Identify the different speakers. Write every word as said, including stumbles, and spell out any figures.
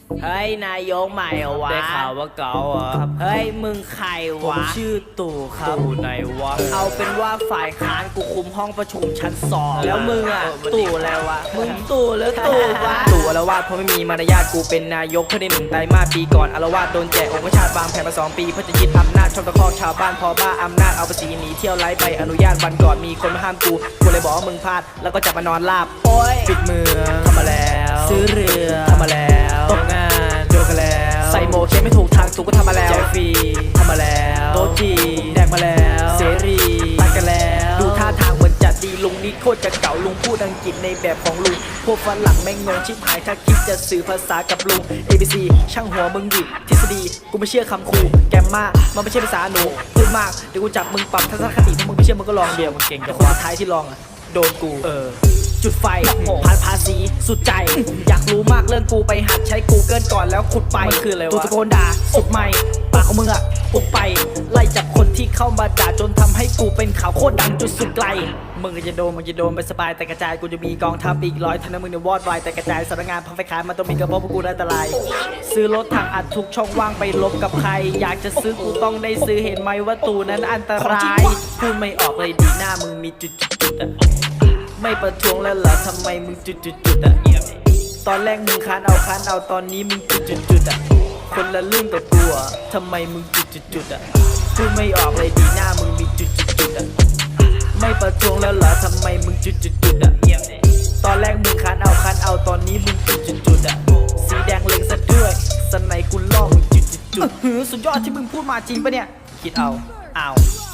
Speaker 1: เฮ้ยนายกใหม่เหรอวะ
Speaker 2: ได้ข่าวว่าเก๋าอ่ะครับ
Speaker 1: เฮ้ยมึงใคร
Speaker 2: ผม
Speaker 1: วะ
Speaker 2: ชื่อตู่ครับตู่ไหนวะ
Speaker 1: เอาเป็นว่าฝ่ายค้านกูคุมห้องประชุมชั้นสองแล้วมึงอ่ะ
Speaker 2: เออมัน
Speaker 1: ตู่อะไรวะมึงตู่หรือตู่วะ
Speaker 2: ตู่อารวาสเพราะไม่มีมารยาทกูเป็นนายกเพื่อได้หนึ่งไตรมาสปีก่อนอารวาสโดนแจกองค์ชาติวางแผนมาสองปีเพื่อจะยึดอำนาจชอบตะคอกชาวบ้านพอบ้าอำนาจเอาภาษีหนีเที่ยวไร้ใบอนุญาตวันก่อนมีคนมาห้ามกูกูเลยบอกว่ามึงพลาดแล้วก็จับมานอนลาบ
Speaker 1: โอ้ย
Speaker 2: ปิดเมืองทำมาแล้ว
Speaker 1: ซื้อเรือ
Speaker 2: ทำมาแล้วตกงานโดนกันแล้ว
Speaker 1: ใส่โมเข็มไม่ถูกทางตู่ก็ทำมาแล้ว
Speaker 2: แจกฟรีทำมาแล้ว
Speaker 1: โต๊ะจีน
Speaker 2: แดกมาแล้วเสรีตัดกันแล้ว
Speaker 1: ดูท่าทางเหมือนจะดีลุงนี่โคตรจะเก่าลุงพูดอังกฤษในแบบของลุงพวกฝรั่งแม่งงงชิบหายถ้าคิดจะสื่อภาษากับลุง เอ บี ซี ช่างหัวมึงดิทฤษฎีกูไม่เชื่อคำครูแกมมามันไม่ใช่ภาษาหนูพูดมากเดี๋ยวกูจับมึงปรับทัศนคติถ้ามึงไม่เชื่อมึงก็ลอง
Speaker 2: เดี๋ยวมึงเก่งจั
Speaker 1: แต่
Speaker 2: ง
Speaker 1: คน
Speaker 2: วะ
Speaker 1: สุดท้ายที่ลองอ่ะโดนกู
Speaker 2: เออ
Speaker 1: จุดไฟผ่านภาษีสุดใจ อยากรู้มากเรื่องกูไปหัดใช้ Google ก่อนแล้วขุดไป
Speaker 2: มันคืออะไรวะ
Speaker 1: ตูตะโกนด่าสุดไม่ปากของมึงอะปุบไป ไล่จับคนที่เข้ามาด่าจนทำให้กูเป็นข่าวโคตรดังจุดสุดไกล มึงก็จะโดนมึงจะโดนไปสบายแต่กระจายกูจะมีกองทัพอีกร้อยทันนะมึงเนี่ยวอดวายแต่กระจายสำนักงานพังไฟขายมันต้องมีกระเพาะพวกกูอันตราย ซื้อรถทางอัดทุกช่องว่างไปลบกับใคร อยากจะซื้อกูต้องได้ซื้อเห็นไหมว่าตูนั้นอันตรายพูดไม่ออกเลยดีหน้ามึงมีจุดจุดๆๆอะ ไม่ประท้วงแล้วเหรอทำไมมึงจุดจุดจุดอ่ะตอนแรกมึงค้านเอาค้านเอาตอนนี้มึงจุดจุดจุดอ่ะคนละเรื่องกับกูอ่ะทำไมมึงจุดจุดจุดอ่ะพูดไม่ออกเลยดีหน้ามึงมีจุดจุดจุดอ่ะไม่ประท้วงแล้วเหรอทำไมมึงจุดจุดจุดอ่ะตอนแรกมึงค้านเอาค้านเอาตอนนี้มึงจุดจุดจุดอ่ะสีแดงเล็งซะด้วยสไนกูล่อมึงจุดจุดจุดหือสุดยอดที่มึงพูดมาจริงปะเนี่ยคิดเอาเอา